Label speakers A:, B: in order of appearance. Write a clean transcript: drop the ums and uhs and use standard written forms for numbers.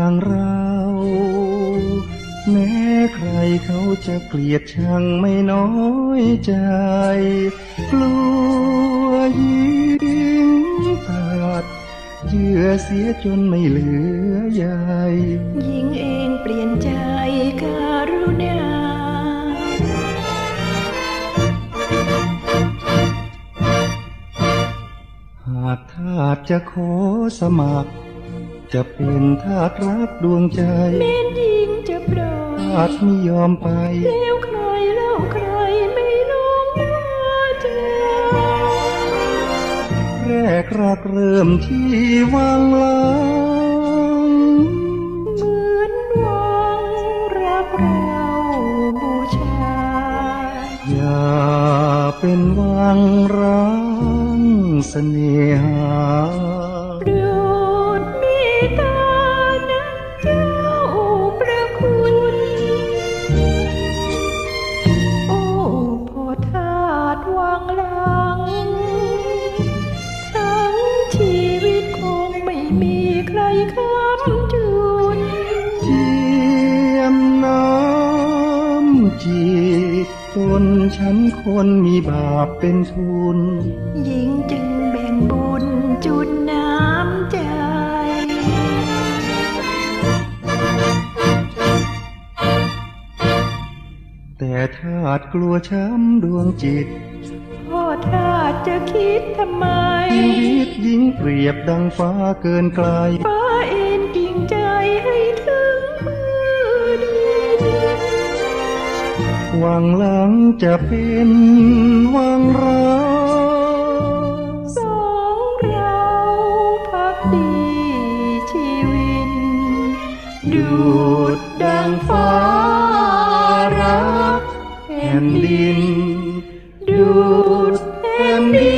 A: อย่างเราแม้ใครเขาจะเกลียดชังไม่น้อยใจกลัวยิงขาดเหยื่อเสียจนไม่เหลือใย
B: หญิงเองเปลี่ยนใจกรุณา
A: หากทาสจะขอสมัครจะเป็นทาสรักดวงใจ
B: แม้นหญิงจะปล่อย
A: ทาสไม่ยอมไป
B: แล้วใครเล่าใครไม่ลงมาเจอ
A: แรกรักเริ่มที่วังหลัง
B: เหมือนวังรักเราบูชา
A: อย่าเป็นวังร้างเสน่หา
B: โปรดเมตตานะเจ้าประคุณโอ้พ่อทาสวังหลังทั้งชีวิตคงไม่มีใครค้ำจุน
A: เจียมน้ำจีบตนฉันคนมีบาปเป็นทุน
B: หญิงจึงแบ่งบุญจุดน้ำใจ
A: แต่ทาสกลัวช้ำดวงจิต
B: พ่อทาสจะคิดทำไม
A: ชีวิตหญิงเปรียบดังฟ้าเกินไกล
B: ฟ้าเอ็นกิ่งใจให้ถึงมือดิน
A: วังหลังจะเป็นวังเรา
B: สองเราพักดีชีวิต
A: ดุจดังฟ้ารักแผ่นดินดุจแผ่นดิน